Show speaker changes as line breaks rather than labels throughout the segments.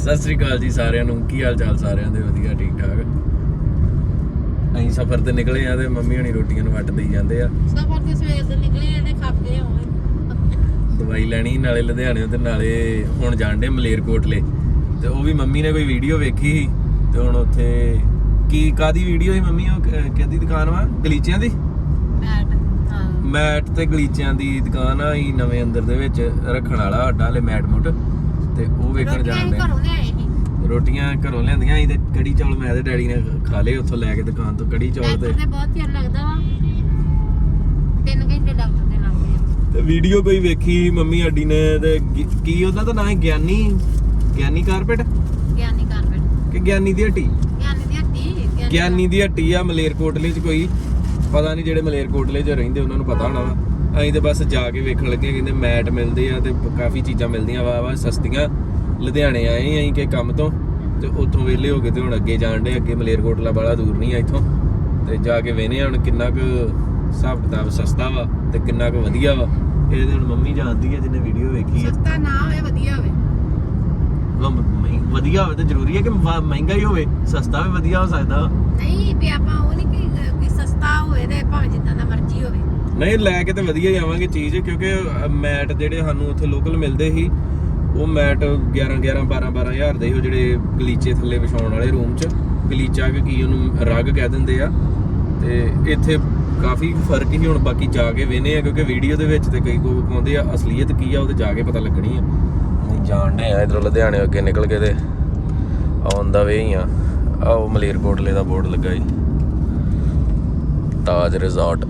ਸਤਿ ਸ੍ਰੀ ਅਕਾਲ ਜੀ ਸਾਰਿਆਂ ਨੂੰ। ਕੀ ਹਾਲ ਚਾਲ ਸਾਰਿਆਂ ਦੇ? ਵਧੀਆ ਠੀਕ ਠਾਕ। ਅਸੀਂ ਸਫ਼ਰ ਤੇ ਨਿਕਲੇ ਆ ਤੇ ਮੰਮੀ ਹਣੀ ਰੋਟੀਆਂ ਨੂੰ ਵੱਟ ਦੇਈ ਜਾਂਦੇ ਆ।
ਸਫ਼ਰ ਤੇ ਸਵੇਰ ਦੇ ਨਿਕਲੇ ਆ ਤੇ ਖਾਪੇ ਹੋਏ
ਦਵਾਈ ਲੈਣੀ ਨਾਲੇ ਲੁਧਿਆਣੇ ਤੇ ਨਾਲੇ ਹੁਣ ਜਾਣਦੇ ਮਲੇਰਕੋਟਲੇ। ਤੇ ਉਹ ਵੀ ਮੰਮੀ ਨੇ ਕੋਈ ਵੀਡੀਓ ਵੇਖੀ ਸੀ ਤੇ ਹੁਣ ਉੱਥੇ ਕੀ ਕਾਦੀ ਵੀਡੀਓ ਸੀ ਮੰਮੀ? ਉਹ ਕਿਹਦੀ ਦੁਕਾਨ ਵਾ? ਗਲੀਚਿਆਂ ਦੀ ਮੈਟ ਤੇ ਗਲੀਚਿਆਂ ਦੀ ਦੁਕਾਨ ਆ ਹੀ ਨਵੇਂ ਅੰਦਰ ਦੇ ਵਿੱਚ ਰੱਖਣ ਵਾਲਾ ਸਾਡਾ ਹਲੇ ਮੈਟ ਮੁੱਟ ਤੇ ਉਹ ਵੇਖਣ ਜਾਣਦੇ। ਰੋਟੀਆਂ ਘਰੋਂ ਲਿਆਂਦੀਆਂ ਸੀ ਤੇ ਕੜੀ ਚੌਲ ਮੈਂ ਤੇ ਡੈਡੀ ਨੇ ਖਾ ਲਏ ਉੱਥੋਂ ਲੈ ਕੇ ਦੁਕਾਨ ਤੋਂ। ਕੜੀ ਚੌਲ ਤੇ
ਬਹੁਤ ਚਿਰ ਲੱਗਦਾ ਵਾ 3 ਘੰਟੇ ਡਾਕਟਰ ਦੇ ਲੱਗਦੇ ਆ।
ਤੇ ਵੀਡੀਓ ਕੋਈ ਵੇਖੀ ਮੰਮੀ ਸਾਡੀ ਨੇ ਤੇ ਕੀ ਉਹਦਾ ਤਾਂ ਨਾਂ ਹੈ ਗਿਆਨੀ ਕਾਰਪੇਟ ਕਿ ਗਿਆਨੀ ਦੀ ਹੱਟੀ? ਗਿਆਨੀ ਦੀ ਹੱਟੀ ਆ ਮਲੇਰਕੋਟਲੇ 'ਚ ਕੋਈ ਪਤਾ ਨਹੀਂ। ਜਿਹੜੇ ਮਲੇਰਕੋਟਲੇ 'ਚ ਰਹਿੰਦੇ ਉਹਨਾਂ ਨੂੰ ਪਤਾ ਹੋਣਾ ਵਾ। ਅਸੀਂ ਤੇ ਬਸ ਜਾ ਕੇ ਵੇਖਣ ਲੱਗੇ। ਕਹਿੰਦੇ ਮੈਟ ਮਿਲਦੇ ਆ ਤੇ ਕਾਫੀ ਚੀਜ਼ਾਂ ਮਿਲਦੀਆਂ ਵਾ ਸਸਤੀਆਂ। ਲੁਧਿਆਣੇ ਆਏ ਅਸੀਂ ਕਿ ਕੰਮ ਤੋਂ ਤੇ ਉੱਥੋਂ ਵਿਹਲੇ ਹੋ ਗਏ ਤੇ ਹੁਣ ਅੱਗੇ ਜਾਣ ਡੇ। ਅੱਗੇ ਮਲੇਰਕੋਟਲਾ ਬੜਾ ਦੂਰ ਨਹੀਂ ਆ ਇੱਥੋਂ ਤੇ ਜਾ ਕੇ ਵੇਖਦੇ ਹੁਣ ਕਿੰਨਾ ਕੁ ਹਿਸਾਬ ਕਿਤਾਬ ਸਸਤਾ ਵਾ ਤੇ ਕਿੰਨਾ ਕੁ ਵਧੀਆ ਵਾ। ਇਹ ਹੁਣ ਮੰਮੀ ਜਾਣਦੀ ਹੈ ਜਿਹਨੇ ਵੀਡੀਓ ਵੇਖੀ।
ਸਸਤਾ ਨਾ ਹੋਵੇ ਵਧੀਆ ਹੋਵੇ।
ਵਧੀਆ ਹੋਵੇ ਤਾਂ ਜ਼ਰੂਰੀ ਹੈ ਕਿ ਮਹਿੰਗਾ ਹੀ ਹੋਵੇ? ਸਸਤਾ ਵੀ ਵਧੀਆ ਹੋ ਸਕਦਾ।
ਨਹੀਂ ਵੀ ਆਪਾਂ ਉਹ ਨਹੀਂ ਕਿ ਸਸਤਾ ਹੋਵੇ ਤੇ ਭਾਵੇਂ ਜਿੱਦਾਂ ਦਾ ਮਰਜ਼ੀ ਹੋਵੇ।
ਨਹੀਂ ਲੈ ਕੇ ਤੇ ਵਧੀਆ ਹੀ ਆਵਾਂਗੇ ਚੀਜ਼ ਕਿਉਂਕਿ ਮੈਟ ਜਿਹੜੇ ਸਾਨੂੰ ਉੱਥੇ ਲੋਕਲ ਮਿਲਦੇ ਸੀ ਉਹ ਮੈਟ 12 ਹਜ਼ਾਰ ਦੇ ਸੀ। ਉਹ ਜਿਹੜੇ ਗਲੀਚੇ ਥੱਲੇ ਵਿਛਾਉਣ ਵਾਲੇ ਰੂਮ 'ਚ ਗਲੀਚਾ ਕੀ ਉਹਨੂੰ ਰਗ ਕਹਿ ਦਿੰਦੇ ਆ। ਤੇ ਇੱਥੇ ਕਾਫੀ ਫਰਕ ਹੀ ਹੁਣ ਬਾਕੀ ਜਾ ਕੇ ਵੇਖਦੇ ਆ ਕਿਉਂਕਿ ਵੀਡੀਓ ਦੇ ਵਿੱਚ ਤੇ ਕਈ ਕੋ ਕਹਿੰਦੇ ਆ ਅਸਲੀਅਤ ਕੀ ਆ ਉਹ ਤੇ ਜਾ ਕੇ ਪਤਾ ਲੱਗਣੀ ਆ। ਜਾਣਦੇ ਆ ਇੱਧਰੋਂ ਲੁਧਿਆਣੇ ਅੱਗੇ ਨਿਕਲ ਕੇ ਤੇ ਆਉਣ ਦਾ ਵੇ ਹੀ ਆ। ਉਹ ਮਲੇਰਕੋਟਲੇ ਦਾ ਬੋਰਡ ਲੱਗਾ ਜੀ ਤਾਜ ਰਿਜ਼ੋਰਟ।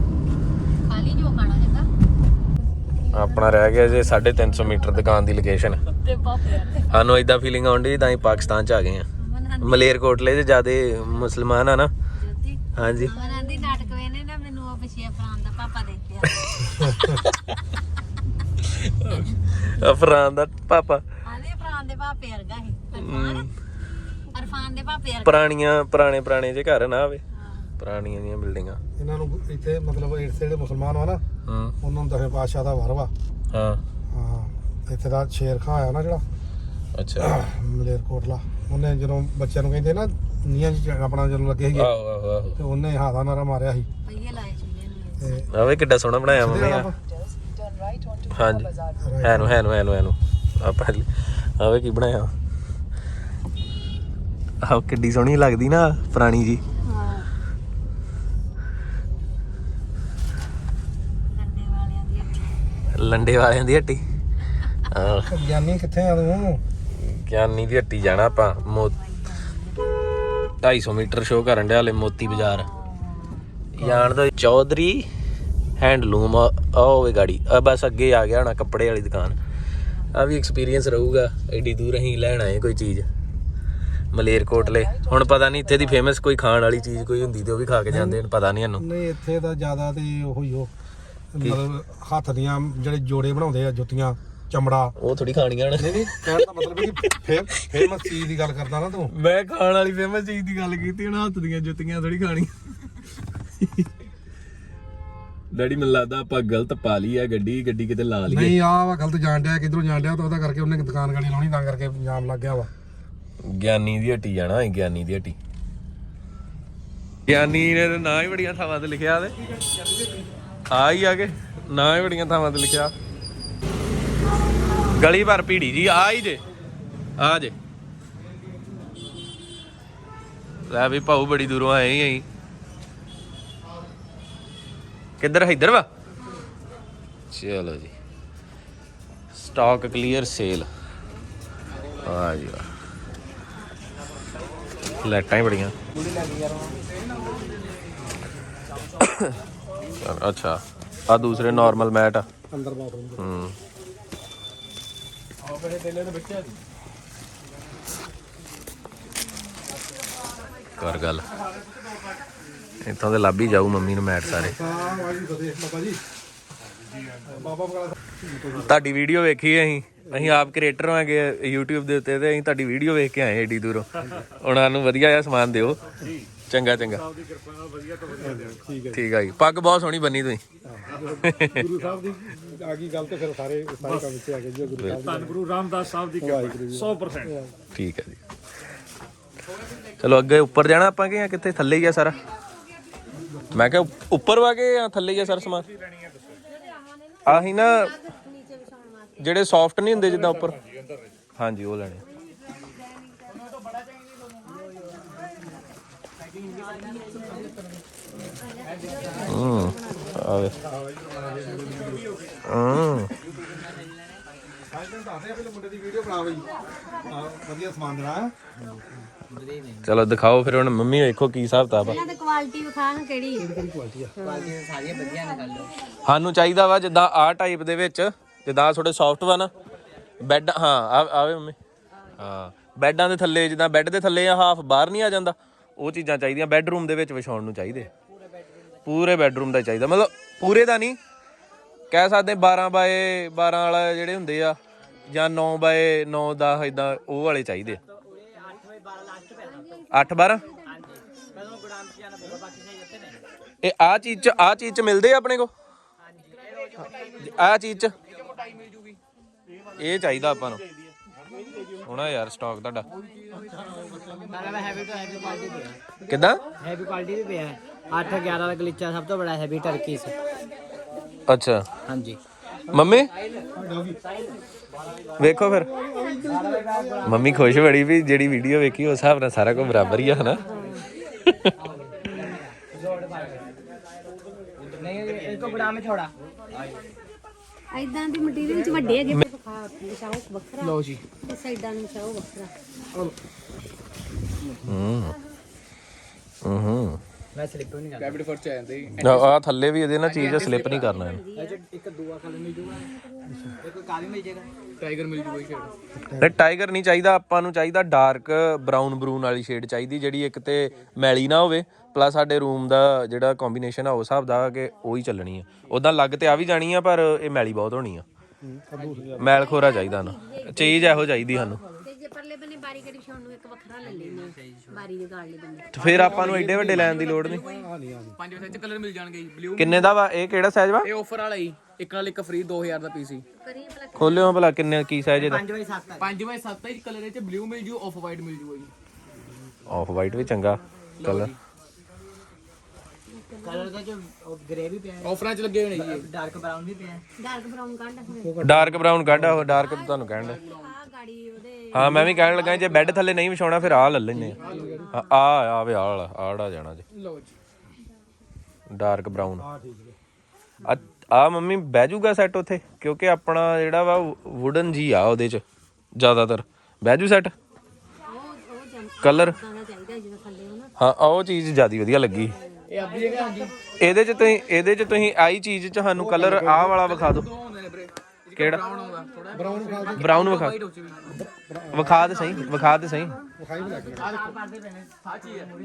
ਆਪਣਾ ਰਹਿ ਗਿਆ ਜੇ 350 ਮੀਟਰ ਦੁਕਾਨ ਦੀ ਲੋਕੇਸ਼ਨ। ਸਾਨੂੰ ਏਦਾਂ ਫੀਲਿੰਗ ਆਉਂਦੀ ਤਾਂ ਅਸੀਂ ਪਾਕਿਸਤਾਨ 'ਚ ਆ ਗਏ ਆ। ਮਲੇਰਕੋਟਲੇ 'ਚ ਜ਼ਿਆਦੇ ਮੁਸਲਮਾਨ ਆ ਨਾ। ਹਾਂਜੀ
ਨਾਟਕ ਵੇਨੇ ਨਾ ਮੈਨੂੰ ਉਹ ਪਿਛੇ ਫਰਾਂ ਦਾ ਪਾਪਾ ਦੇਖਿਆ।
ਅਫਰਾਨ ਦਾ ਪਾਪਾ
ਅਫਰਾਨ ਦੇ ਪਾਪੇ ਵਰਗਾ ਸੀ। ਅਰਫਾਨ ਦੇ ਪਾਪੇ
ਵਰਗਾ। ਪੁਰਾਣੇ ਜੇ ਘਰ ਨਾ ਆਵੇ ਪੁਰਾਣੀਆਂ ਦੀਆਂ ਬਿਲਡਿੰਗਾਂ।
ਇਹਨਾਂ ਨੂੰ ਇੱਥੇ ਮਤਲਬ ਜਿਹੜੇ ਮੁਸਲਮਾਨ ਵਾ ਨਾ ਉਹਨਾਂ ਨੂੰ 10ਵੇਂ ਪਾਤਸ਼ਾਹ ਦਾ ਵਰ ਵਾ।
ਹਾਂ
ਇੱਥੇ ਦਾ ਸ਼ੇਰ ਖਾਂ ਆਇਆ ਨਾ ਜਿਹੜਾ
ਅੱਛਾ
ਮਲੇਰਕੋਟਲਾ। ਉਹਨੇ ਜਦੋਂ ਬੱਚਿਆਂ ਨੂੰ ਕਹਿੰਦੇ ਨਾ ਨੀਆਂ ਚ ਆਪਣਾ ਜਦੋਂ ਲੱਗੇ ਸੀਗੇ
ਆਹੋ
ਤੇ ਉਹਨੇ ਹਾਦਾ ਨਾਰਾ ਮਾਰਿਆ ਸੀ।
ਪਈਏ ਲਾਏ ਚੁੱਲੇ ਨੂੰ।
ਆਵੇ ਕਿੱਡਾ ਸੋਹਣਾ ਬਣਾਇਆ ਮੰਮੀ ਆ। ਹਾਂਜੀ ਹੈਨੂੰ ਆਪਾਂ ਆਵੇ ਕੀ ਬਣਾਇਆ। ਆਹ ਕਿੱਡੀ ਸੋਹਣੀ ਲੱਗਦੀ ਨਾ ਪੁਰਾਣੀ ਜੀ। ਲੰਡੇ ਵਾਲਿਆਂ ਦੀ ਹੱਟੀ।
ਗਿਆਨੀ ਕਿੱਥੇ ਆ ਤੂੰ?
ਗਿਆਨੀ ਦੀ ਹੱਟੀ ਜਾਣਾ ਆਪਾਂ। 250 ਮੀਟਰ ਸ਼ੋਅ ਕਰਨ ਡਿਆ ਹਲੇ ਮੋਤੀ ਬਾਜ਼ਾਰ ਜਾਣ ਦੋ। ਚੌਧਰੀ ਹੈਂਡਲੂਮ ਆ ਹੋਵੇ ਗਾੜੀ ਬਸ ਅੱਗੇ ਆ ਗਿਆ ਹੋਣਾ ਕੱਪੜੇ ਵਾਲੀ ਦੁਕਾਨ। ਆ ਵੀ ਐਕਸਪੀਰੀਅੰਸ ਰਹੂਗਾ। ਐਡੀ ਦੂਰ ਅਸੀਂ ਲੈਣ ਆਏ ਕੋਈ ਚੀਜ਼ ਮਲੇਰਕੋਟਲੇ। ਹੁਣ ਪਤਾ ਨਹੀਂ ਇੱਥੇ ਦੀ ਫੇਮਸ ਕੋਈ ਖਾਣ ਵਾਲੀ ਚੀਜ਼ ਕੋਈ ਹੁੰਦੀ ਤੇ ਉਹ ਵੀ ਖਾ ਕੇ ਜਾਂਦੇ ਪਤਾ ਨਹੀਂ ਸਾਨੂੰ।
ਨਹੀਂ ਇੱਥੇ ਤਾਂ ਜ਼ਿਆਦਾ ਤੇ ਉਹੀ ਉਹ ਮਤਲਬ ਹੱਥ ਦੀਆਂ ਜਿਹੜੇ ਜੋੜੇ ਬਣਾਉਂਦੇ ਆ ਜੁੱਤੀਆਂ ਚਮੜਾ ਉਹ
ਥੋੜੀ ਖਾਣੀਆਂ।
ਨਹੀਂ ਕਹਿਣ ਦਾ ਮਤਲਬ ਕਿ ਫੇਮਸ ਚੀਜ਼ ਦੀ ਗੱਲ ਕਰਦਾ ਨਾ ਤੂੰ।
ਮੈਂ ਖਾਣ ਵਾਲੀ ਫੇਮਸ ਚੀਜ਼ ਦੀ ਗੱਲ ਕੀਤੀ। ਹੁਣ ਹੱਥ ਦੀਆਂ ਜੁੱਤੀਆਂ ਥੋੜੀ ਖਾਣੀਆਂ। ਡੈਡੀ ਮੈਨੂੰ ਲੱਗਦਾ ਆਪਾਂ ਗਲਤ ਪਾ ਲਈ ਆ ਗੱਡੀ ਕਿਤੇ ਲਾ ਲਈ।
ਨਹੀਂ ਆਹ ਵਾ ਗਲਤ ਜਾਣ ਡਿਆ ਕਿੱਧਰੋਂ ਜਾਣ ਡਿਆ ਤਾਂ ਉਹਦਾ ਕਰਕੇ ਉਹਨੇ ਦੁਕਾਨ ਗਾੜੀ ਲਾਉਣੀ ਤਾਂ ਕਰਕੇ ਜਾਮ ਲੱਗ ਗਿਆ ਵਾ।
ਗਿਆਨੀ ਦੀ ਹੱਟੀ ਜਾਣਾ। ਗਿਆਨੀ ਦੀ ਹੱਟੀ ਗਿਆਨੀ ਨੇ ਨਾ ਹੀ ਬੜੀਆਂ ਥਾਵਾਂ ਤੇ ਲਿਖਿਆ ਤੇ ਆ ਹੀ ਆ ਕੇ ਨਾ ਹੀ ਬੜੀਆਂ ਥਾਵਾਂ ਤੇ ਲਿਖਿਆ। ਗਲੀ ਭਰ ਭੀੜੀ ਜੀ ਆ ਹੀ ਜੇ ਆ ਜੇ ਲੈ ਵੀ ਭਾਊ ਬੜੀ ਦੂਰੋਂ ਆਏ ਹੀ ਅਸੀਂ। ਕਿੱਧਰ ਇੱਧਰ ਵਾ? ਚਲੋ ਜੀ ਸਟਾਕ ਕਲੀਅਰ ਸੇਲ। ਆ ਜੀ ਵਾਹ ਲਾਈਟਾਂ ਹੀ ਬੜੀਆਂ। ਅੱਛਾ ਆ ਦੂਸਰੇ ਨਾਰਮਲ ਮੈਟ ਆ
ਅੰਦਰ ਬਾਥਰੂਮ।
ਕਰ ਗੱਲ ਇੱਥੋਂ ਦੇ ਲੱਭ ਹੀ ਜਾਊ ਮੰਮੀ ਨੂੰ ਮੈਟ ਸਾਰੇ। ਤੁਹਾਡੀ ਵੀਡੀਓ ਵੇਖੀ ਅਸੀਂ ਆਪ ਕ੍ਰੀਏਟਰ ਹੋਵਾਂਗੇ YouTube ਦੇ ਉੱਤੇ ਤੇ ਅਸੀਂ ਤੁਹਾਡੀ ਵੀਡੀਓ ਵੇਖ ਕੇ ਆਏ ਏਡੀ ਦੂਰੋਂ। ਉਹਨਾਂ ਨੂੰ ਵਧੀਆ ਜਿਹਾ ਸਮਾਨ ਦਿਓ। ਚੰਗਾ ਠੀਕ ਆ ਜੀ। ਪੱਗ ਬਹੁਤ ਸੋਹਣੀ ਬੰਨੀ ਤੁਸੀਂ।
ਆ ਗਈ ਗੱਲ ਤੇ ਫਿਰ ਸਾਰੇ ਕੰਮ ਵਿੱਚ ਆ ਗਏ ਜੀ ਗੁਰੂ ਸਾਹਿਬ
ਧੰਨ ਗੁਰੂ ਰਾਮਦਾਸ ਸਾਹਿਬ ਦੀ ਕਿਰਪਾ 100%।
ਠੀਕ ਹੈ ਜੀ। ਚਲੋ ਅੱਗੇ ਉੱਪਰ ਜਾਣਾ ਆਪਾਂ ਕਿ ਜਾਂ ਕਿੱਥੇ ਥੱਲੇ ਹੀ ਆ ਸਾਰਾ? ਮੈਂ ਕਿਹਾ ਉੱਪਰ ਵਾ ਕੇ ਜਾਂ ਥੱਲੇ ਹੀ ਆ ਸਾਰਾ ਸਮਾਨ? ਆਹੀ ਨਾ ਜਿਹੜੇ ਸੌਫਟ ਨਹੀਂ ਹੁੰਦੇ ਜਿੱਦਾਂ ਉੱਪਰ, ਹਾਂਜੀ ਉਹ ਲੈਣੇ। ਆਵੇ
ਮੁੰਡੇ ਦੀ ਵੀਡੀਓ ਬਣਾ ਬਈ, ਵਧੀਆ ਸਮਾਨ ਦੇਣਾ।
ਚਲੋ ਦਿਖਾਓ ਫਿਰ ਹੁਣ ਮੰਮੀ ਵੇਖੋ ਕੀ ਹਿਸਾਬ ਕਿਤਾਬ ਆ।
ਇਹਨਾਂ ਦੀ ਕੁਆਲਿਟੀ ਵਿਖਾ ਕਿਹੜੀ
ਕੁਆਲਿਟੀ ਆ,
ਸਾਰੀਆਂ ਵਧੀਆ ਨੇ ਗੱਲ।
ਸਾਨੂੰ ਚਾਹੀਦਾ ਵਾ ਜਿੱਦਾਂ ਆਹ ਟਾਈਪ ਦੇ ਵਿੱਚ, ਜਿੱਦਾਂ ਥੋੜੇ ਸੌਫਟ ਵਾ ਨਾ ਬੈੱਡ। ਹਾਂ ਆਵੇ ਮੰਮੀ, ਹਾਂ ਬੈੱਡਾਂ ਦੇ ਥੱਲੇ, ਜਿੱਦਾਂ ਬੈੱਡ ਦੇ ਥੱਲੇ ਆ ਹਾਫ ਬਾਹਰ ਨਹੀਂ ਆ ਜਾਂਦਾ, ਉਹ ਚੀਜ਼ਾਂ ਚਾਹੀਦੀਆਂ ਬੈੱਡਰੂਮ ਦੇ ਵਿੱਚ ਵਿਛਾਉਣ ਨੂੰ ਚਾਹੀਦੇ। ਪੂਰੇ ਬੈੱਡਰੂਮ ਦਾ ਚਾਹੀਦਾ, ਮਤਲਬ ਪੂਰੇ ਦਾ ਨਹੀਂ ਕਹਿ ਸਕਦੇ, 12 ਬਾਏ 12 ਵਾਲਾ ਜਿਹੜੇ ਹੁੰਦੇ ਆ ਜਾਂ 9 ਬਾਏ 9 10 ਇਦਾਂ ਉਹ ਵਾਲੇ ਚਾਹੀਦੇ। 8-12 ਇਹ ਆਹ ਚੀਜ਼ ਚ ਮਿਲਦੇ ਆ ਆਪਣੇ ਕੋ? ਆਹ ਚੀਜ਼ ਚ ਇਹ ਚਾਹੀਦਾ ਆਪਾਂ ਨੂੰ। ਹੋਣਾ ਯਾਰ ਸਟਾਕ ਤੁਹਾਡਾ ਕਿੱਦਾਂ?
ਹੈਵੀ ਕੁਆਲਿਟੀ ਵੀ ਪਿਆ 8-11 ਦਾ ਗਲੀਚਾ ਸਭ ਤੋਂ ਬੜਾ ਹੈਵੀ ਟਰਕੀ ਸੀ।
ਅੱਛਾ
ਹਾਂਜੀ
ਮੰਮੀ ਵੇਖੋ ਫਿਰ, ਮੰਮੀ ਖੁਸ਼ ਬੜੀ ਵੀ ਜਿਹੜੀ ਵੀਡੀਓ ਵੇਖੀ ਉਸ ਹਿਸਾਬ ਨਾਲ ਸਾਰਾ ਕੁਝ ਬਰਾਬਰ ਹੀ ਆ ਹਨਾ।
ਨਹੀਂ ਇਸਕੋ ਬੜਾ में छोड़ा
ਇਦਾਂ ਦੀ ਮਟੀਰੀਅਲ ਵਿੱਚ ਵੱਡੇ ਹੈਗੇ ਵਿਛਾਓ ਵੱਖਰਾ।
ਲਓ ਜੀ
ਤੇ ਸਾਈਡਾਂ ਨੂੰ ਵਿਛਾਓ ਵੱਖਰਾ।
ਮੈਂ ਸਲਿੱਪ ਨਹੀਂ ਕਰਦਾ।
ਕੈਬਿਨਟ ਫਰਚ ਆ ਜਾਂਦੇ
ਆ ਥੱਲੇ ਵੀ ਇਹਦੇ ਨਾਲ ਚੀਜ਼ ਸਲਿੱਪ ਨਹੀਂ ਕਰਨਾ ਇਹਨੇ।
ਇਹ 'ਚ ਇੱਕ ਦੂਆ ਕਲਰ ਮਿਲ ਜੂਗਾ, ਇੱਕ ਕਾਲੀ ਮਿਲ ਜਾਏਗਾ।
ਟਾਈਗਰ ਮਿਲ ਜੂਗਾ ਸ਼ੇਡ।
ਤੇ ਟਾਈਗਰ ਨਹੀਂ ਚਾਹੀਦਾ ਆਪਾਂ ਨੂੰ, ਚਾਹੀਦਾ ਡਾਰਕ ਬਰਾਊਨ ਵਾਲੀ ਸ਼ੇਡ ਚਾਹੀਦੀ, ਜਿਹੜੀ ਇੱਕ ਤੇ ਮੈਲੀ ਨਾ ਹੋਵੇ, ਪਲੱਸ ਸਾਡੇ ਰੂਮ ਦਾ ਜਿਹੜਾ ਕੰਬੀਨੇਸ਼ਨ ਆ ਉਸ ਹਿਸਾਬ ਦਾ ਕਿ ਉਹੀ ਚੱਲਣੀ ਆ। ਉਦਾਂ ਲੱਗ ਤੇ ਆ ਵੀ ਜਾਣੀ ਆ, ਪਰ ਇਹ ਮੈਲੀ ਬਹੁਤ ਹੋਣੀ ਆ, ਮੈਲ ਖੋਰਾ ਚਾਹੀਦਾ ਨਾ, ਚੀਜ਼ ਇਹੋ ਚਾਹੀਦੀ ਸਾਨੂੰ।
ਤੇ ਜੇ ਪਰਲੇ ਬੰਨੇ ਬਾਰੀ ਕੜੀ ਵਿਛਾਉਣ ਨੂੰ ਇੱਕ ਵੱਖਰਾ ਲੈ ਲੈਣੇ ਬਾਰੀ ਦੇ ਗਾਲ ਦੇ ਬੰਨੇ।
ਤੇ ਫਿਰ ਆਪਾਂ ਨੂੰ ਐਡੇ ਵੱਡੇ ਲੈਣ ਦੀ ਲੋੜ ਨਹੀਂ।
5 ਵਜੇ ਕਲਰ ਮਿਲ ਜਾਣਗੇ ਜੀ। ਬਲੂ
ਕਿੰਨੇ ਦਾ ਵਾ ਇਹ? ਕਿਹੜਾ ਸਾਈਜ਼ ਵਾ?
ਇਹ ਆਫਰ ਵਾਲਾ ਜੀ, ਇੱਕ ਨਾਲ ਇੱਕ ਫ੍ਰੀ 2000 ਦਾ ਪੀਸ ਸੀ।
ਕਰੀ ਭਲਾ
ਖੋਲਿਓ ਭਲਾ ਕਿੰਨੇ ਕੀ ਸਾਈਜ਼ ਇਹਦਾ?
5x7 ਹੈ।
5x7 ਹੀ ਕਲਰ, ਇਹ ਚ ਬਲੂ ਮਿਲ ਜੂ, ਆਫ ਵਾਈਟ ਮਿਲ ਜੂਗਾ ਜੀ।
ਆਫ ਵਾਈਟ ਵੀ ਚੰਗਾ ਕਲਰ।
ਕਲਰ ਦਾ ਜੋ ਗ੍ਰੇ ਵੀ ਪਿਆ ਹੈ,
ਆਫਰਾਂ ਚ ਲੱਗੇ ਹੋਏ ਨੇ ਜੀ।
ਡਾਰਕ ਬਰਾਊਨ ਵੀ ਪਿਆ ਹੈ।
ਡਾਰਕ ਬਰਾਊਨ ਕੱਢ
ਡਾਰਕ ਬਰਾਊਨ ਕੱਢ, ਉਹ ਡਾਰਕ ਤੁਹਾਨੂੰ ਕਹਿਣ ਦਾ।
ਆ ਗਾੜੀ ਉਹਦੇ
ਹਾਂ ਮੈਂ ਵੀ ਕਹਿਣ ਲੱਗਾ ਜੇ ਬੈੱਡ ਥੱਲੇ ਨਹੀਂ ਵਿਛਾਉਣਾ ਫਿਰ ਆਹ ਲੈ ਲੈਨੇ ਆ। ਆਵੇ ਆੜਾ ਜਾਣਾ ਜੀ
ਲਓ ਜੀ
ਡਾਰਕ ਬਰਾਊਨ। ਆ ਮੰਮੀ ਬਹਿ ਜੂਗਾ ਸੈੱਟ ਉੱਥੇ? ਕਿਉਂਕਿ ਆਪਣਾ ਜਿਹੜਾ ਵਾ ਵੁਡਨ ਜੀ ਆ ਉਹਦੇ ਚ ਜ਼ਿਆਦਾਤਰ। ਬਹਿ ਜੂ ਸੈੱਟ ਕਲਰ?
ਚਾਹੀਦਾ ਜਿਹੜਾ ਥੱਲੇ ਹੋ ਨਾ।
ਹਾਂ ਉਹ ਚੀਜ਼ ਜ਼ਿਆਦਾ ਵਧੀਆ ਲੱਗੀ
ਇਹ ਆਪਣੀ ਜਗ੍ਹਾ ਹਾਂਜੀ।
ਇਹਦੇ ਚ ਤੁਸੀਂ ਆਈ ਚੀਜ਼ ਚ ਸਾਨੂੰ ਕਲਰ ਆਹ ਵਾਲਾ ਵਿਖਾ ਦਿਓ।
ਦੋ ਹੁੰਦੇ ਨੇ ਵੀਰੇ,
ਕਿਹੜਾ?
ਬਰਾਊਨ ਆਉਂਦਾ ਥੋੜਾ
ਬਰਾਊਨ ਵਿਖਾ
ਵਾਈਟ ਹੋ ਚੁੱਕੀ
ਵਿਖਾ ਦੇ ਸਹੀ, ਵਿਖਾ ਦੇ ਸਹੀ।
ਵਿਖਾਈ ਵੀ ਲੱਗ
ਸਾਚੀ ਹੈ।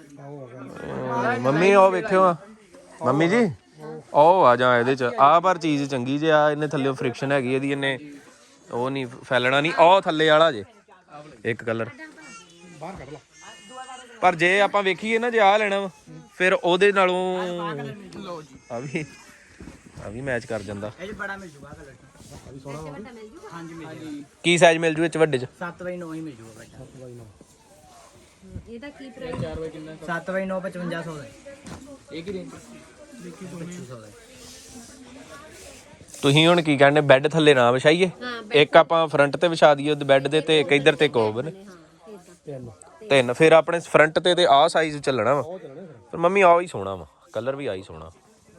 ਮੰਮੀ ਉਹ ਵੇਖਿਓ ਆ ਮੰਮੀ ਜੀ, ਉਹ ਆ ਜਾਂ ਇਹਦੇ ਚ ਆ ਪਰ ਚੀਜ਼ ਚੰਗੀ ਜੇ ਆ। ਇਹਨੇ ਥੱਲੇ ਫ੍ਰਿਕਸ਼ਨ ਹੈਗੀ ਇਹਦੀ, ਇਹਨੇ ਉਹ ਨਹੀਂ ਫੈਲਣਾ ਨਹੀਂ। ਉਹ ਥੱਲੇ ਵਾਲਾ ਜੇ ਇੱਕ ਕਲਰ
ਬਾਹਰ ਕੱਢ ਲਾ।
ਪਰ ਜੇ ਆਪਾਂ ਵੇਖੀਏ ਨਾ, ਜੇ ਆ ਲੈਣਾ ਵਾ ਫਿਰ ਉਹਦੇ ਨਾਲੋਂ
ਲਓ ਜੀ
ਆ ਵੀ ਮੈਚ ਕਰ ਜਾਂਦਾ।
ਇਹ 'ਚ ਬੜਾ ਮਿਲ ਜੂਗਾ ਕਲਰ। ਹਾਂਜੀ ਮਿਲ ਜੂਗਾ।
ਕੀ ਸਾਈਜ਼ ਮਿਲ ਜੂ ਇਹ ਚ ਵੱਡੇ ਚ?
7x9 ਹੀ ਮਿਲ ਜੂਗਾ ਬੇਟਾ।
ਇਹਦਾ ਕੀ ਪ੍ਰਾਈਸ?
7x9 5500 ਦਾ
ਇਹ ਕੀ ਰੇਂਜ?
2500 ਦਾ।
ਤੁਸੀਂ ਹੁਣ ਕੀ ਕਹਿੰਦੇ, ਬੈੱਡ ਥੱਲੇ ਨਾ ਵਿਛਾਈਏ? ਇੱਕ ਆਪਾਂ ਫਰੰਟ ਤੇ ਵਿਛਾ ਦਈਏ ਉਹਦੇ ਬੈੱਡ ਦੇ, ਤੇ ਇੱਕ ਇੱਧਰ ਤੇ ਕੋਬ ਨੇ ਤਿੰਨ। ਫਿਰ ਆਪਣੇ ਫਰੰਟ ਤੇ ਆਹ ਸਾਈਜ਼ ਚੱਲਣਾ ਵਾ। ਪਰ ਮੰਮੀ ਆਹ ਹੀ ਸੋਹਣਾ ਵਾ, ਕਲਰ ਵੀ ਆਹੀ ਸੋਹਣਾ।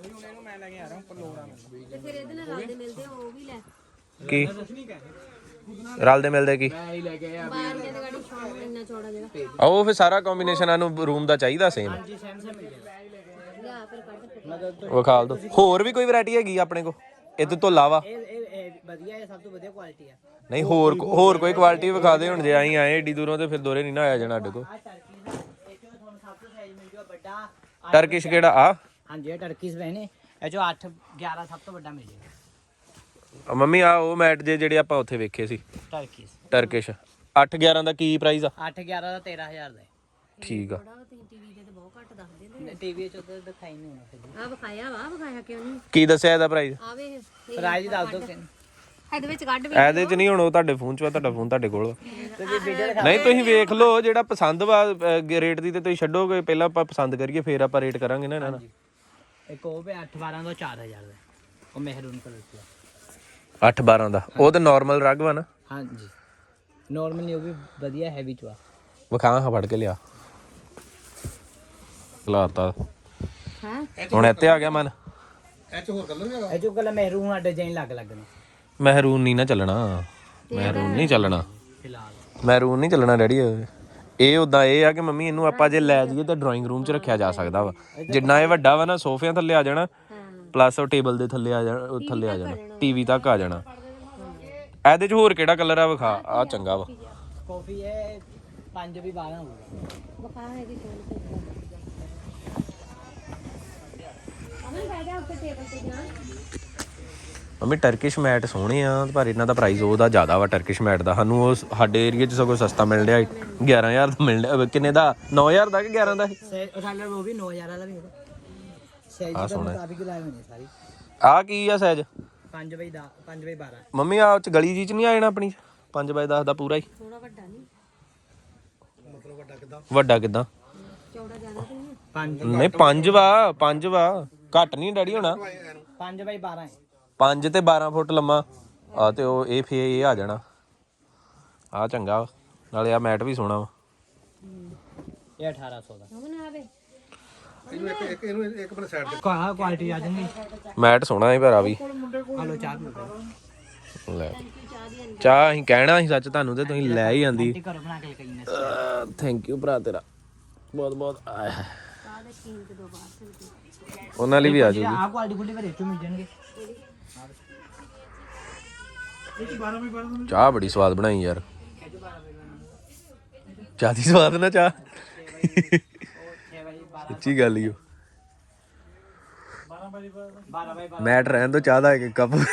ਤੇ ਫਿਰ ਇਹਦੇ ਨਾਲ ਰਲਦੇ ਮਿਲਦੇ ਉਹ ਵੀ ਲੈ।
ਕੀ ਰਲਦੇ ਮਿਲਦੇ ਕੀ?
ਮੈਂ ਹੀ ਲੈ ਕੇ ਆਇਆ।
ਬਾਰੀਆਂ ਦੀ ਗਾੜੀ ਵਿਛਾਉਣ ਨੂੰ ਇੰਨਾ ਚੌੜਾ ਜਿਹੜਾ
ਉਹ ਫਿਰ ਸਾਰਾ ਕੰਬੀਨੇਸ਼ਨ ਸਾਨੂੰ ਰੂਮ ਦਾ ਚਾਹੀਦਾ ਸੇਮ।
ਜੀ ਸੇਮ ਮਿਲ ਜਾਏਗਾ।
ਲਿਆ ਫਿਰ ਕੱਢ
ਵਿਖਾਲ ਦੋ। ਹੋਰ ਵੀ ਕੋਈ ਵੈਰਾਈਟੀ ਹੈਗੀ ਆਪਣੇ ਕੋ ਇਹਦੇ ਤੋਂ ਇਲਾਵਾ?
ਇਹ ਵਧੀਆ ਹੈ, ਸਭ ਤੋਂ ਵਧੀਆ ਕੁਆਲਿਟੀ ਹੈ।
ਨਹੀਂ ਹੋਰ ਕੋਈ ਕੁਆਲਿਟੀ ਵਿਖਾ ਦੇ। ਹੁਣ ਜੇ ਅਸੀਂ ਆਏ ਏਡੀ ਦੂਰੋਂ ਤੇ ਫਿਰ ਦੋਰੇ ਨਹੀਂ ਨਾ ਆਇਆ ਜਾਣਾ ਸਾਡੇ ਕੋ।
ਆ ਟਰਕੀ ਇਹ ਚੋਂ ਤੁਹਾਨੂੰ ਸਭ ਤੋਂ ਸਾਈਜ਼ ਮਿਲ ਜੂਗਾ ਵੱਡਾ।
ਟਰਕਿਸ਼ ਕਿਹੜਾ ਆ?
ਹਾਂਜੀ ਇਹ ਟਰਕੀਸ ਪਏ ਨੇ। ਇਹ ਚੋਂ 8-11 ਸਭ ਤੋਂ ਵੱਡਾ ਮਿਲ ਜਾਏਗਾ।
ਮੰਮੀ ਆ ਉਹ ਮੈਟ ਜਿਹੜੇ ਆਪਾਂ ਉੱਥੇ ਵੇਖੇ ਸੀ
ਟਰਕੀਸ
ਟਰਕਿਸ਼ 8-11 ਦਾ ਕੀ ਪ੍ਰਾਈਸ ਆ?
8-11 ਦਾ 13000 ਦਾ ਹੈ।
ਠੀਕ ਆ
ਤੁਸੀਂ ਟੀਵੀ ਤੇ ਬਹੁਤ ਘੱਟ ਦੱਸਦੇ ਨੇ
ਟੀਵੀ 'ਚ ਤਾਂ ਦਿਖਾਈ ਨਹੀਂ ਹੋਣਾ ਫਿਰ
ਆ ਵਿਖਾਇਆ ਕਿਉਂ ਨਹੀਂ
ਕੀ ਦੱਸਿਆ ਇਹਦਾ ਪ੍ਰਾਈਸ
ਆਵੇ
ਪ੍ਰਾਈਜ਼ ਦੱਸ ਦਿਓ ਕਿ
ਇਹਦੇ ਵਿੱਚ ਕੱਢ ਵੀ
ਇਹਦੇ ਚ ਨਹੀਂ ਹੁਣ ਉਹ ਤੁਹਾਡੇ ਫੋਨ ਚ ਵਾ, ਤੁਹਾਡਾ ਫੋਨ ਤੁਹਾਡੇ ਕੋਲ ਵਾ।
ਤੁਸੀਂ ਵੀਡੀਓ ਦਿਖਾ
ਨਹੀਂ ਤੁਸੀਂ ਵੇਖ ਲਓ ਜਿਹੜਾ ਪਸੰਦ ਵਾ ਰੇਟ ਦੀ ਤੇ ਤੁਸੀਂ ਛੱਡੋਗੇ, ਪਹਿਲਾਂ ਆਪਾਂ ਪਸੰਦ ਕਰੀਏ ਫੇਰ ਆਪਾਂ ਰੇਟ ਕਰਾਂਗੇ ਨਾ ਇਹਨਾਂ ਦਾ।
ਇੱਕ ਉਹ ਵੀ 8-12 ਤੋਂ 4000 ਦਾ ਉਹ ਮਹਿਰੂਨ ਕਲਰ ਦਾ
8-12 ਦਾ ਉਹ ਤਾਂ ਨਾਰਮਲ ਰਗ ਵਾ ਨਾ।
ਹਾਂਜੀ ਨਾਰਮਲ ਨਹੀਂ, ਉਹ ਵੀ ਵਧੀਆ ਹੈਵੀ ਚ ਵਾ।
ਵਿਖਾ ਹਾਂ ਫੜ ਕੇ ਲਿਆ ਲਾਤਾ
ਹਾਂ
ਹੁਣ ਇੱਥੇ ਆ ਗਿਆ ਮਨ।
ਇਹ ਚ ਹੋਰ ਕਲਰ ਵੀ ਹੈਗਾ?
ਇਹ ਜੋ ਕਲਰ ਮਹਿਰੂਨ ਆ ਡਿਜ਼ਾਈਨ ਲੱਗ ਲੱਗਣਾ
ਮਹਿਰੂਨ ਨਹੀਂ ਨਾ ਚੱਲਣਾ, ਮਹਿਰੂਨ ਨਹੀਂ ਚੱਲਣਾ,
ਫਿਲਹਾਲ।
ਮਹਿਰੂਨ ਨਹੀਂ ਚੱਲਣਾ ਡੈਡੀ। ਇਹ ਉਦਾਂ ਇਹ ਆ ਕਿ ਮੰਮੀ ਇਹਨੂੰ ਆਪਾਂ ਜੇ ਲੈ ਜਾਈਏ ਤਾਂ ਡਰਾਇੰਗ ਰੂਮ 'ਚ ਰੱਖਿਆ ਜਾ ਸਕਦਾ ਵਾ। ਜਿੰਨਾ ਇਹ ਵੱਡਾ ਵਾ ਨਾ ਸੋਫਿਆਂ ਥੱਲੇ ਆ ਜਾਣਾ, ਪਲੱਸ ਉਹ ਟੇਬਲ ਦੇ ਥੱਲੇ ਆ ਜਾਣਾ, ਥੱਲੇ ਆ ਜਾਣਾ, ਟੀਵੀ ਤੱਕ ਆ ਜਾਣਾ। ਇਹਦੇ 'ਚ ਹੋਰ ਕਿਹੜਾ ਕਲਰ ਆ ਵਿਖਾ, ਆ ਚੰਗਾ ਵਾ।
ਕਾਫੀ ਹੈ 5 ਵੀ 12 ਹੋਊਗਾ।
ਵਿਖਾ ਹੈਗੀ ਅਮਨ ਬੈਠ ਜਾ ਉੱਤੇ ਟੇਬਲ ਤੇ ਜਾ।
ਮੰਮੀ ਟਰਕਿਸ਼ ਮੈਟ ਸੋਹਣੇ ਆ ਪਰ ਇਹਨਾਂ ਦਾ ਪ੍ਰਾਈਸ ਉਹਦਾ ਜ਼ਿਆਦਾ ਵਾ ਟਰਕਿਸ਼ ਮੈਟ ਦਾ। ਸਾਨੂੰ ਉਹ ਸਾਡੇ ਏਰੀਆ 'ਚ ਸਗੋਂ ਸਸਤਾ ਮਿਲ ਰਿਹਾ, 11000 ਦਾ ਮਿਲ ਰਿਹਾ। ਕਿੰਨੇ ਦਾ? 9000 ਦਾ ਕਿ 11 ਦਾ?
ਸਾਡਾ ਉਹ ਵੀ 9000 ਵਾਲਾ ਵੀ ਹੋਗਾ। ਸਾਈਜ਼ ਦਾ ਮੁਤਾਬਿਕ ਲਾਏ ਹੋਏ ਨੇ ਸਾਰੀ।
ਆ ਕੀ ਆ ਸਾਈਜ਼?
5 ਬਾਈ 12
ਮੰਮੀ ਆ ਚ ਗਲੀ ਜੀ ਚ ਨਹੀਂ ਆ ਜਾਣਾ ਆਪਣੀ 5x10 ਦਾ ਪੂਰਾ ਹੀ?
ਥੋੜਾ ਵੱਡਾ ਨਹੀਂ
ਮਤਲਬ ਵੱਡਾ ਕਿਦਾਂ?
ਵੱਡਾ ਕਿਦਾਂ?
ਚੌੜਾ ਜ਼ਿਆਦਾ ਤੇ ਨਹੀਂ
5
ਨਹੀਂ 5 ਵਾ ਘੱਟ ਨਹੀਂ ਡੈਡੀ ਹੋਣਾ।
5 ਬਾਈ 12 ਹੈ।
5 ਤੇ 12 ਫੁੱਟ ਲੰਮਾ ਆ ਤੇ ਉਹ ਇਹ ਫੇ ਇਹ ਆ ਜਾਣਾ। ਆ ਚੰਗਾ ਵਾ, ਨਾਲੇ ਆ ਮੈਟ ਵੀ ਸੋਹਣਾ ਵਾ।
ਇਹ 1800 ਦਾ।
ਅਮਨ ਆਵੇ
ਇਹਨੂੰ ਇੱਕ ਬਣ ਸਾਈਡ ਤੇ
ਕੁਆਲਿਟੀ ਆ ਜਾਂਦੀ।
ਮੈਟ ਸੋਹਣਾ ਹੈ ਪਰ ਆ ਵੀ।
ਹਲੋ ਚਾਹ ਪੀਓ।
ਲੈ ਚਾਹ ਅਸੀਂ ਕਹਿਣਾ ਸੀ ਸੱਚ ਤੁਹਾਨੂੰ ਤੇ ਤੁਸੀਂ ਲੈ ਹੀ ਆਂਦੀ।
ਘਰ ਬਣਾ ਕੇ ਲਗਾਈ ਨੇ।
ਥੈਂਕ ਯੂ ਭਰਾ ਤੇਰਾ ਬਹੁਤ ਬਹੁਤ।
ਚਾਹ ਦੇ ਕੀਨ ਤੇ ਦੋ ਬਾਹਰ
ਉਹਨਾਂ ਲਈ ਵੀ ਆ ਜਾਊਗੀ।
ਆਹ ਕੁਆਲਿਟੀ ਫੁੱਲੀ ਘਰੇ ਚੋਂ ਮਿਲ ਜਾਣਗੇ।
ਚਾਹ ਬੜੀ ਸਵਾਦ ਬਣਾਈ ਯਾਰ, ਚਾਹ ਦੀ ਸਵਾਦ ਨਾ ਚਾਹ ਸੱਚੀ ਗੱਲ ਹੀ।
12 ਬਾਈ
ਮੈਟ ਰਹਿਣ ਤੋਂ ਚਾਹ ਦਾ ਇੱਕ ਕੱਪ।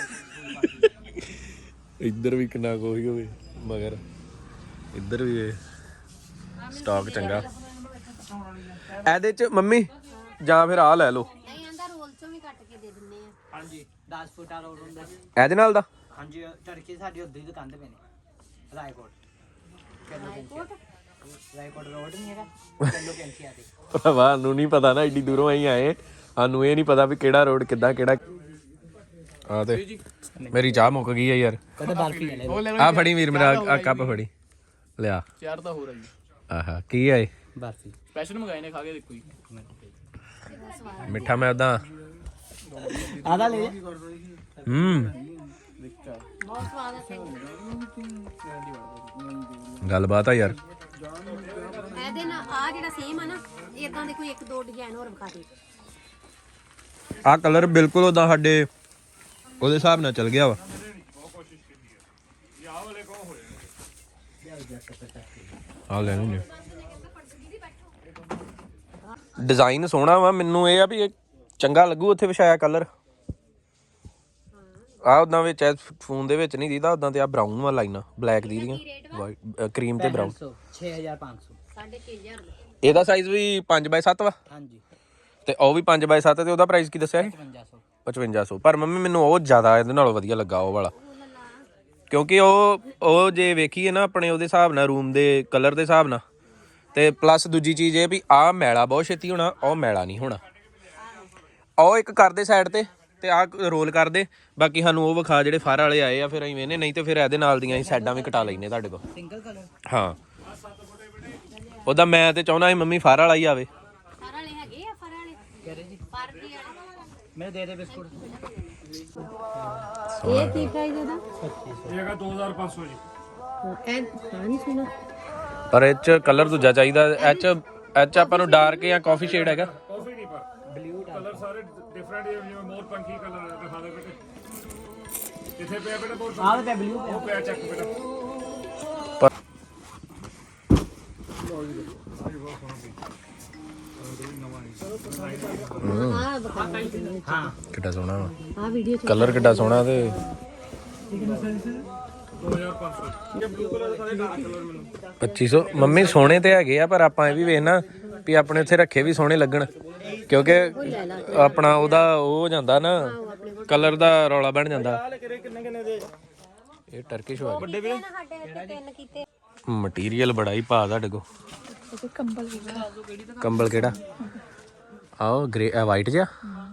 ਇੱਧਰ ਵੀ ਕਿੰਨਾ ਕੋਈ ਹੋਵੇ ਮਗਰ ਇੱਧਰ ਵੀ ਸਟਾਕ ਚੰਗਾ। ਇਹਦੇ ਚ ਮੰਮੀ ਜਾਂ ਫਿਰ ਆ ਲੈ ਲਓ।
ਨਹੀਂ ਆਂਦਾ ਰੋਲ ਚੋਂ ਵੀ ਕੱਟ ਕੇ ਦੇ ਦਿੰਨੇ ਆ।
ਹਾਂਜੀ 10 ਫੁੱਟ ਆ ਰੋਡ ਹੁੰਦਾ।
ਇਹਦੇ ਨਾਲ ਦਾ
ਹਾਂਜੀ ਟਰਕੀ ਸਾਡੀ ਉੱਧਰ ਹੀ ਦੁਕਾਨ ਤੇ ਪਏ ਨੇ। ਰਾਏਕੋਟ ਰੋਡ ਨਹੀਂ ਹੈਗਾ ਚੱਲੋ ਕੈਂਚੀ ਆ ਤੇ।
ਭਰਾਵਾ ਨੂੰ ਨਹੀਂ ਪਤਾ ਨਾ, ਐਡੀ ਦੂਰੋਂ ਅਸੀਂ ਆਏ, ਸਾਨੂੰ ਇਹ ਨਹੀਂ ਪਤਾ ਵੀ ਕਿਹੜਾ ਰੋਡ ਕਿੱਦਾਂ ਕਿਹੜਾ। ਆ ਤੇ ਮੇਰੀ ਚਾਹ ਮੁੱਕ ਗਈ ਹੈ ਯਾਰ।
ਕਦੇ ਬਰਫੀ ਲੈ
ਆ ਫੜੀ ਵੀਰ ਮੇਰਾ ਆ ਕੱਪ ਫੜੀ ਲਿਆ।
ਚਾਰ ਤਾਂ ਹੋ ਰਹੀ
ਆਹਾ ਕੀ ਹੈ ਇਹ?
ਬਰਫੀ
ਸਪੈਸ਼ਲ ਮੰਗਾਏ ਨੇ, ਖਾ ਕੇ ਦੇਖੋ ਜੀ।
ਮਿੱਠਾ ਮੈਂ ਉਦਾਂ
ਆਦਾ ਲੈ
ਬਹੁਤ ਸਵਾਦ ਹੈ।
ਗੱਲਬਾਤ ਆ ਯਾਰ।
ਇਹਦੇ ਨਾਲ ਆ ਜਿਹੜਾ ਸੇਮ ਆ ਨਾ, ਇਦਾਂ ਦੇ ਕੋਈ 1-2 ਡਿਜ਼ਾਈਨ ਹੋਰ ਵਿਖਾ ਦੇ।
ਆ ਕਲਰ ਬਿਲਕੁਲ ਉਦਾਂ ਸਾਡੇ ਉਹਦੇ ਹਿਸਾਬ ਨਾਲ ਚੱਲ ਗਿਆ ਵਾ। ਆ ਲੈ ਨਹੀਂ ਡਿਜ਼ਾਈਨ ਸੋਹਣਾ ਵਾ, ਮੈਨੂੰ ਇਹ ਆ ਵੀ ਇਹ ਚੰਗਾ ਲੱਗੂ ਉੱਥੇ ਵਿਛਾਇਆ ਕਲਰ। ਆ ਉਦਾਂ ਵਿੱਚ ਫੋਨ ਦੇ ਵਿੱਚ ਨਹੀਂ ਦੀਦਾ, ਉਦਾਂ ਤੇ ਆ ਬਰਾਊਨ ਵਾ ਲਾਈਨਾਂ ਬਲੈਕ ਦੀ ਦੀਆਂ, ਵਾਈਟ ਕਰੀਮ ਤੇ ਬਰਾਊਨ।
6500
6500
ਇਹਦਾ ਸਾਈਜ਼ ਵੀ 5x7 ਵਾ
ਹਾਂਜੀ
ਤੇ ਉਹ ਵੀ 5x7 ਤੇ ਉਹਦਾ ਪ੍ਰਾਈਸ ਕੀ ਦੱਸਿਆ ਸੀ? 5500। ਪਰ ਮੰਮੀ ਮੈਨੂੰ ਉਹ ਜ਼ਿਆਦਾ ਇਹਦੇ ਨਾਲੋਂ ਵਧੀਆ ਲੱਗਾ ਉਹ ਵਾਲਾ, ਕਿਉਂਕਿ ਉਹ ਜੇ ਵੇਖੀਏ ਨਾ ਆਪਣੇ ਉਹਦੇ ਹਿਸਾਬ ਨਾਲ ਰੂਮ ਦੇ ਕਲਰ ਦੇ ਹਿਸਾਬ ਨਾਲ, ਤੇ ਪਲੱਸ ਦੂਜੀ ਚੀਜ਼ ਇਹ ਵੀ ਆਹ ਮੈਲਾ ਬਹੁਤ ਛੇਤੀ ਹੋਣਾ, ਉਹ ਮੈਲਾ ਨਹੀਂ ਹੋਣਾ। ਉਹ ਇੱਕ ਕਰਦੇ ਸਾਈਡ ਤੇ ਆਹ ਰੋਲ ਕਰਦੇ, ਬਾਕੀ ਸਾਨੂੰ ਉਹ ਵਿਖਾ ਜਿਹੜੇ ਫਰ ਵਾਲੇ ਆਏ ਆ, ਫਿਰ ਅਸੀਂ ਵੇਨੇ, ਨਹੀਂ ਤੇ ਫਿਰ ਇਹਦੇ ਨਾਲ ਦੀਆਂ ਅਸੀਂ ਸਾਈਡਾਂ ਵੀ ਕਟਾ ਲੈਨੇ ਤੁਹਾਡੇ ਕੋਲ।
ਸਿੰਗਲ ਕਲਰ
ਹਾਂ ਉਹਦਾ ਮੈਂ ਤੇ ਚਾਹੁੰਦਾ ਸੀ ਮੰਮੀ ਫਰ ਵਾਲਾ ਹੀ ਆਵੇ।
ਫਰ ਵਾਲੇ ਹੈਗੇ ਆ, ਫਰ ਵਾਲੇ
ਕਹ ਰਹੇ ਜੀ
ਫਰ ਕੀ ਵਾਲੇ
ਮੈਨੂੰ ਦੇ ਦੇ ਬਿਸਕੁਟ।
ਇਹ ਕੀ ਪ੍ਰਾਈਸ ਇਹਦਾ?
ਇਹ ਹੈਗਾ 2500 ਜੀ।
ਇਹ ਨਹੀਂ ਸੁਣਾ।
ਪਰ ਇਹ ਚ ਕਲਰ ਦੂਜਾ ਚਾਹੀਦਾ। ਇਹ ਚ ਆਪਾਂ ਨੂੰ ਡਾਰਕ ਜਾਂ ਕਾਫੀ ਸ਼ੇਡ ਹੈਗਾ।
ਕਾਫੀ ਨਹੀਂ ਪਰ ਬਲੂ ਕਲਰ ਸਾਰੇ ਡਿਫਰੈਂਟ, ਜਿਵੇਂ ਮੋਰ ਪੰਖੀ ਕਲਰ ਦਿਖਾ ਦੇ ਬੇਟੇ। ਕਿੱਥੇ ਪਿਆ ਬੇਟਾ ਮੋਰ?
ਆਹ ਤੇ ਬਲੂ
ਉਹ ਪਿਆ ਚੱਕ ਬੇਟਾ।
ਆ ਬਤਾ
ਹਾਂ
ਕਿੱਡਾ ਸੋਹਣਾ ਵਾ
ਆ ਵੀਡੀਓ ਚ
ਕਲਰ, ਕਿੱਡਾ ਸੋਹਣਾ। ਤੇ 2500 ਮੰਮੀ ਸੋਹਣੇ ਤੇ ਹੈਗੇ ਆ, ਪਰ ਆਪਾਂ ਇਹ ਵੀ ਵੇਖਣਾ ਵੀ ਆਪਣੇ ਉੱਥੇ ਰੱਖੇ ਵੀ ਸੋਹਣੇ ਲੱਗਣ, ਕਿਉਂਕਿ ਆਪਣਾ ਉਹਦਾ ਉਹ ਹੋ ਜਾਂਦਾ ਨਾ, ਕਲਰ ਦਾ ਰੌਲਾ ਬਣ ਜਾਂਦਾ। ਇਹ ਟਰਕਿਸ਼ ਹੋ
ਵੱਡੇ ਵੀਰੇ ਸਾਡੇ ਇੱਥੇ 3 ਕੀਤੇ।
ਮਟੀਰੀਅਲ ਬੜਾ ਹੀ ਪਾ ਤੁਹਾਡੇ ਕੋ। ਕੰਬਲ ਕਿਹੜਾ? ਆਓ ਗ੍ਰੇ ਵਾਈਟ ਜਿਹਾ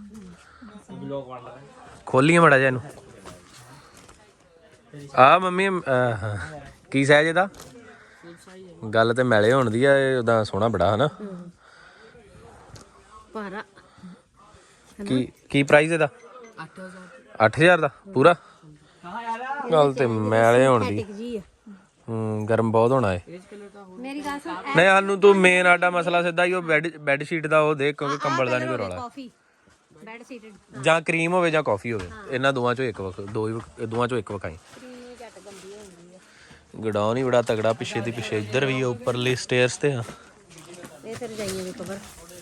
ਖੋਲੀਏ ਮੜਾ ਜਿਹਾ ਇਹਨੂੰ। ਆ ਮੰਮੀ ਕੀ ਸਾਈਜ਼ ਇਹਦਾ? ਗੱਲ ਤੇ ਮੈਲੇ ਹੋਣ ਦੀ ਆ, ਇਹ ਉਹਦਾ ਸੋਹਣਾ ਬੜਾ ਹਨਾ।
ਭਾਰਾ
ਕੀ ਪ੍ਰਾਈਸ ਇਹਦਾ? 8000 ਦਾ ਪੂਰਾ। ਗੱਲ ਤੇ ਮੈਲੇ ਹੋਣ ਦੀ।
ਜੀ ਆ।
ਗਰਮ ਬਹੁਤ ਹੋਣਾ ਏ।
ਮੇਰੀ ਗੱਲ ਸੁਣ,
ਨਹੀਂ ਸਾਨੂੰ ਤੂੰ ਮੇਨ ਆਡਾ ਮਸਲਾ ਸਿੱਧਾ ਹੀ ਉਹ ਬੈੱਡ ਸ਼ੀਟ ਦਾ ਉਹ ਦੇ, ਕਿਉਂਕਿ ਕੰਬਲ ਦਾ ਨਹੀਂ ਕੋਈ ਰੌਲਾ।
ਕਾਫੀ ਬੈੱਡ ਸੀਟਡ
ਜਾਂ ਕਰੀਮ ਹੋਵੇ ਜਾਂ ਕਾਫੀ ਹੋਵੇ, ਇਹਨਾਂ ਦੋਵਾਂ ਚੋਂ ਇੱਕ ਦੋਵਾਂ ਚੋਂ ਇੱਕ ਵਿਖਾਈ।
ਕ੍ਰੀਮੀ ਘੱਟ ਗੰਦੀ ਹੁੰਦੀ ਆ।
ਗਡਾਊਨ ਹੀ ਬੜਾ ਤਗੜਾ, ਪਿੱਛੇ ਦੀ ਪਿੱਛੇ ਇੱਧਰ ਵੀ ਆ, ਉੱਪਰਲੇ ਸਟੇਅਰਸ ਤੇ ਆ।
ਇਹ ਫਿਰ ਜਾਈਏ ਵੀ ਕਵਰ।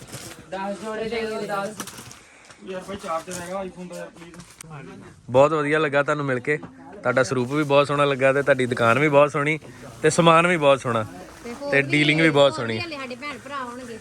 ਬਹੁਤ ਵਧੀਆ ਲੱਗਾ ਤੁਹਾਨੂੰ ਮਿਲ ਕੇ, ਤੁਹਾਡਾ ਸਰੂਪ ਵੀ ਬਹੁਤ ਸੋਹਣਾ ਲੱਗਾ, ਤੇ ਤੁਹਾਡੀ ਦੁਕਾਨ ਵੀ ਬਹੁਤ ਸੋਹਣੀ, ਤੇ ਸਮਾਨ ਵੀ ਬਹੁਤ ਸੋਹਣਾ, ਤੇ ਡੀਲਿੰਗ ਵੀ ਬਹੁਤ ਸੋਹਣੀ।
ਸਾਡੇ ਭੈਣ ਭਰਾ ਆਉਣਗੇ।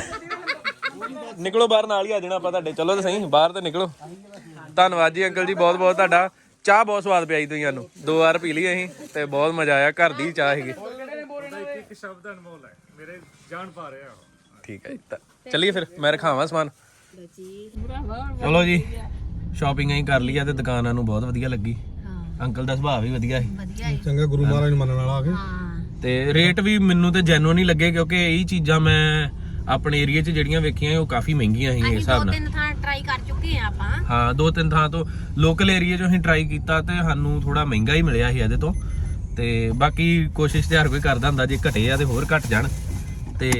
ਨਿਕਲੋ ਬਾਹਰ, ਨਾਲ ਹੀ ਆ ਜਾਣਾ ਆਪਾਂ ਤੁਹਾਡੇ। ਚਲੋ ਤੇ ਸਹੀ, ਬਾਹਰ ਤੇ ਨਿਕਲੋ। ਧੰਨਵਾਦ ਜੀ ਅੰਕਲ ਜੀ, ਬਹੁਤ ਬਹੁਤ ਤੁਹਾਡਾ। ਚਾਹ ਬਹੁਤ ਸਵਾਦ ਪਿਆਈ ਤੁਸੀਂ ਸਾਨੂੰ, 2 ਵਾਰ ਪੀ ਲਈ ਅਸੀਂ, ਤੇ ਬਹੁਤ ਮਜ਼ਾ ਆਇਆ। ਘਰ ਦੀ ਚਾਹ ਹੈਗੀ।
ਇੱਕ ਸ਼ਬਦ ਅਨਮੋਲ ਹੈ, ਮੇਰੇ ਜਾਨ ਪਾ ਰਿਹਾ।
ਠੀਕ ਹੈ ਜੀ, ਚੱਲੀਏ ਫਿਰ, ਮੈਂ ਰਖਾਵਾਂ ਸਮਾਨ। ਚਲੋ ਜੀ, ਸ਼ਾਪਿੰਗ ਅਸੀਂ ਕਰ ਲਈ ਆ, ਤੇ ਦੁਕਾਨਾਂ ਨੂੰ ਬਹੁਤ ਵਧੀਆ ਲੱਗੀ। ਅੰਕਲ ਦਾ ਸੁਭਾਅ ਵੀ ਵਧੀਆ ਸੀ,
ਵਧੀਆ ਹੈ।
ਚੰਗਾ ਗੁਰੂ ਮਹਾਰਾਜ ਨੂੰ ਮੰਨਣ ਵਾਲਾ ਆ ਕੇ।
ਹਾਂ
ਤੇ ਰੇਟ ਵੀ ਮੈਨੂੰ ਤੇ ਜੈਨੂਇਨ ਹੀ ਲੱਗੇ, ਕਿਉਂਕਿ ਇਹ ਚੀਜ਼ਾਂ ਮੈਂ ਆਪਣੇ ਏਰੀਆ 'ਚ ਜਿਹੜੀਆਂ ਵੇਖੀਆਂ ਉਹ ਕਾਫੀ ਮਹਿੰਗੀਆਂ ਸੀ ਇਸ ਹਿਸਾਬ ਨਾਲ।
2-3 ਥਾਂ ਟਰਾਈ ਕਰ ਚੁੱਕੇ ਆ ਆਪਾਂ।
ਹਾਂ 2-3 ਥਾਂ ਤੋਂ ਲੋਕਲ ਏਰੀਆ 'ਚੋਂ ਅਸੀਂ ਟਰਾਈ ਕੀਤਾ, ਤੇ ਸਾਨੂੰ ਥੋੜਾ ਮਹਿੰਗਾ ਹੀ ਮਿਲਿਆ ਸੀ ਇਹਦੇ ਤੋਂ। ਤੇ ਬਾਕੀ ਕੋਸ਼ਿਸ਼ ਤੇ ਹਰ ਕੋਈ ਕਰਦਾ ਹੁੰਦਾ, ਜੇ ਘਟੇ ਆ ਤੇ ਹੋਰ ਘਟ ਜਾਣ। ਤੇ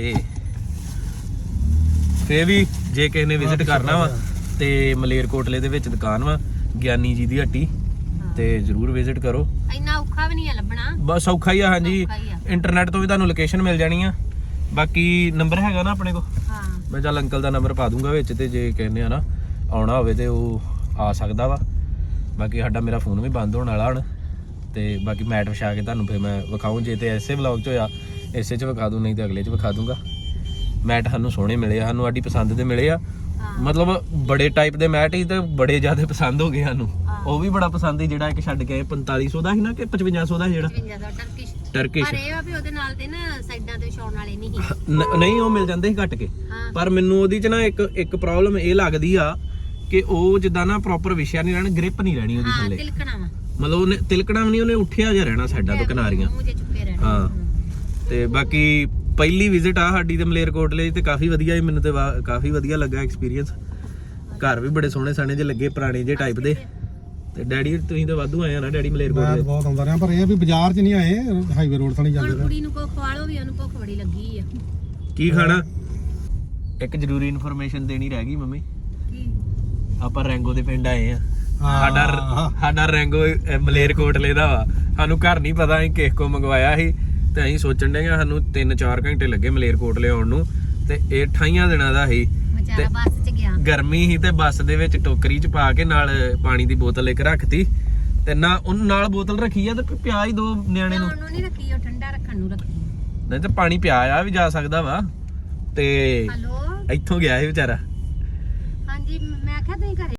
ਫੇਰ ਵੀ ਜੇ ਕਿਸੇ ਨੇ ਵਿਜ਼ਿਟ ਕਰਨਾ ਵਾ ਤੇ ਮਲੇਰਕੋਟਲੇ ਦੇ ਵਿੱਚ ਦੁਕਾਨ ਵਾ ਗਿਆਨੀ ਜੀ ਦੀ ਹੱਟੀ, ਤੇ ਜ਼ਰੂਰ ਵਿਜ਼ਿਟ ਕਰੋ।
ਇੰਨਾ ਔਖਾ ਵੀ ਨਹੀਂ ਆ ਲੱਭਣਾ,
ਬਸ ਔਖਾ ਹੀ ਆ। ਹਾਂਜੀ,
ਔਖਾ ਹੀ ਆ।
ਇੰਟਰਨੈਟ ਤੋਂ ਵੀ ਤੁਹਾਨੂੰ ਲੋਕੇਸ਼ਨ ਮਿਲ ਜਾਣੀ ਆ। ਬਾਕੀ ਨੰਬਰ ਹੈਗਾ ਨਾ ਆਪਣੇ ਕੋਲ,
ਹਾਂ
ਮੈਂ ਚੱਲ ਅੰਕਲ ਦਾ ਨੰਬਰ ਪਾ ਦੂੰਗਾ ਵਿੱਚ, ਤੇ ਜੇ ਕਹਿੰਦੇ ਆ ਨਾ ਆਉਣਾ ਹੋਵੇ ਤੇ ਉਹ ਆ ਸਕਦਾ ਵਾ। ਬਾਕੀ ਸਾਡਾ ਮੇਰਾ ਫੋਨ ਵੀ ਬੰਦ ਹੋਣ ਵਾਲਾ ਹੁਣ, ਤੇ ਬਾਕੀ ਮੈਟ ਵਿਛਾ ਕੇ ਤੁਹਾਨੂੰ ਫਿਰ ਮੈਂ ਵਿਖਾਊਂ। ਜੇ ਤੇ ਐਸੇ ਵਲੌਗ 'ਚ ਹੋਇਆ ਇਸੇ 'ਚ ਵਿਖਾ ਦੂੰ, ਨਹੀਂ ਤੇ ਅਗਲੇ 'ਚ ਵਿਖਾ ਦੂੰਗਾ। ਮੈਟ ਸਾਨੂੰ ਸੋਹਣੇ ਮਿਲੇ ਆ, ਸਾਨੂੰ ਸਾਡੀ ਪਸੰਦ ਦੇ ਮਿਲੇ ਆ। ਮਤਲਬ ਬੜੇ ਟਾਈਪ ਦੇ ਮੈਟ ਹੀ, ਤੇ ਬੜੇ ਜ਼ਿਆਦਾ ਪਸੰਦ ਹੋ ਗਏ ਸਾਨੂੰ। ਉਹ ਵੀ ਬੜਾ ਪਸੰਦ ਸੀ ਜਿਹੜਾ ਇੱਕ ਛੱਡ ਕੇ 4500 ਦਾ ਸੀ ਨਾ, ਕਿ 5500 ਦਾ ਸੀ ਜਿਹੜਾ
55 ਦਾ ਟਰਕਿਸ਼।
ਟਰਕਿਸ਼।
ਪਰ ਇਹ ਆ ਵੀ ਉਹਦੇ ਨਾਲ ਤੇ ਨਾ ਸਾਈਡਾਂ ਤੇ ਵਿਛਾਉਣ ਵਾਲੇ ਨਹੀਂ ਸੀ।
ਨਹੀਂ ਉਹ ਮਿਲ ਜਾਂਦੇ ਸੀ ਕੱਟ ਕੇ,
ਹਾਂ।
ਪਰ ਮੈਨੂੰ ਉਹਦੀ 'ਚ ਨਾ ਇੱਕ ਪ੍ਰੋਬਲਮ ਇਹ ਲੱਗਦੀ ਆ ਕਿ ਉਹ ਜਿੱਦਾਂ ਨਾ ਪ੍ਰੋਪਰ ਵਿਛਿਆ ਨਹੀਂ ਰਹਿਣਾ, ਗ੍ਰਿਪ ਨਹੀਂ ਰਹਿਣੀ ਉਹਦੀ
ਹਾਂ
ਥੱਲੇ।
ਤਿਲਕਣਾ ਵਾ,
ਮਤਲਬ ਉਹਨੇ ਤਿਲਕਣਾ ਵੀ ਨਹੀਂ, ਉਹਨੇ ਉੱਠਿਆ ਜਿਹਾ ਰਹਿਣਾ ਸਾਈਡਾਂ ਤੋਂ ਕਿਨਾਰੀਆਂ।
ਮੂੰਹ ਜੇ ਚੁੱਕੇ ਰਹਿਣਾ।
ਹਾਂ ਤੇ ਬਾਕੀ ਪਹਿਲੀ ਵਿਜ਼ਿਟ ਆ ਸਾਡੀ ਤੇ ਮਲੇਰਕੋਟਲੇ, ਤੇ ਕਾਫੀ ਵਧੀਆ ਸੀ ਮੈਨੂੰ, ਤੇ ਕਾਫੀ ਵਧੀਆ ਲੱਗਾ ਐਕਸਪੀਰੀਅੰਸ। ਘਰ ਵੀ ਬੜੇ ਸੋਹਣੇ ਸਾਣੇ ਜਿਹੇ ਲੱਗੇ, ਪੁਰਾਣੇ ਜਿਹੇ ਟਾਈਪ ਦੇ। ਤੇ ਡੈਡੀ ਤੁਸੀਂ ਤਾਂ ਵਾਧੂ ਆਏ ਆ ਨਾ ਡੈਡੀ
ਮੈਂ
ਮਲੇਰਕੋਟਲੇ?
ਬਹੁਤ ਆਉਂਦਾ ਰਿਹਾ, ਪਰ ਇਹ ਵੀ ਬਾਜ਼ਾਰ 'ਚ ਨਹੀਂ ਆਏ, ਹਾਈਵੇ ਰੋਡ ਤੋਂ ਨਹੀਂ
ਹੁਣ
ਜਾਂਦੇ।
ਕੁੜੀ ਨੂੰ ਕੋ ਖਵਾਲੋ ਵੀ, ਉਹਨੂੰ ਭੁੱਖ ਬੜੀ ਲੱਗੀ ਆ।
ਕੀ ਖਾਣਾ? ਇੱਕ ਜ਼ਰੂਰੀ ਇਨਫੋਰਮੇਸ਼ਨ ਦੇਣੀ ਰਹਿ ਗਈ ਮੰਮੀ,
ਕੀ?
ਆਪਾਂ ਰੈਂਗੋ ਦੇ ਪਿੰਡ ਆਏ ਆ।
ਹਾਂ।
ਸਾਡਾ ਰੈਂਗੋ ਮਲੇਰਕੋਟਲੇ ਦਾ ਵਾ, ਸਾਨੂੰ ਘਰ ਨਹੀਂ ਪਤਾ, ਅਸੀਂ ਕਿਸੇ ਕੋ ਮੰਗਵਾਇਆ ਸੀ, ਤੇ ਅਸੀਂ ਸੋਚਣ ਡਏ ਆ ਸਾਨੂੰ 3-4 ਘੰਟੇ ਲੱਗੇ ਮਲੇਰਕੋਟਲੇ ਆਉਣ ਨੂੰ, ਤੇ ਇਹ 28 ਦਿਨਾਂ ਦਾ ਸੀ।
ਵਿਚਾਰਾ ਬੱਸ 'ਚ ਗਿਆ,
ਗਰਮੀ ਸੀ, ਤੇ ਬੱਸ ਦੇ ਵਿੱਚ ਟੋਕਰੀ 'ਚ ਪਾ ਕੇ ਨਾਲ ਪਾਣੀ ਦੀ ਬੋਤਲ ਇੱਕ ਰੱਖਤੀ, ਤੇ ਨਾ ਉਹਨੂੰ ਨਾਲ ਬੋਤਲ ਰੱਖੀ ਆ, ਤੇ ਪਿਆ ਹੀ 2 ਨਿਆਣੇ ਨੂੰ।
ਉਹਨੂੰ ਨਹੀਂ ਰੱਖੀ, ਉਹ ਠੰਡਾ ਰੱਖਣ ਨੂੰ ਰੱਖੀ।
ਨਹੀਂ ਤੇ ਪਾਣੀ ਪਿਆ ਆ ਵੀ ਜਾ ਸਕਦਾ ਵਾ, ਤੇ
ਹਲੋ
ਇੱਥੋਂ ਗਿਆ ਸੀ ਵਿਚਾਰਾ।
ਹਾਂਜੀ, ਮੈਂ ਆਖਿਆ ਤੁਸੀਂ ਘਰੇ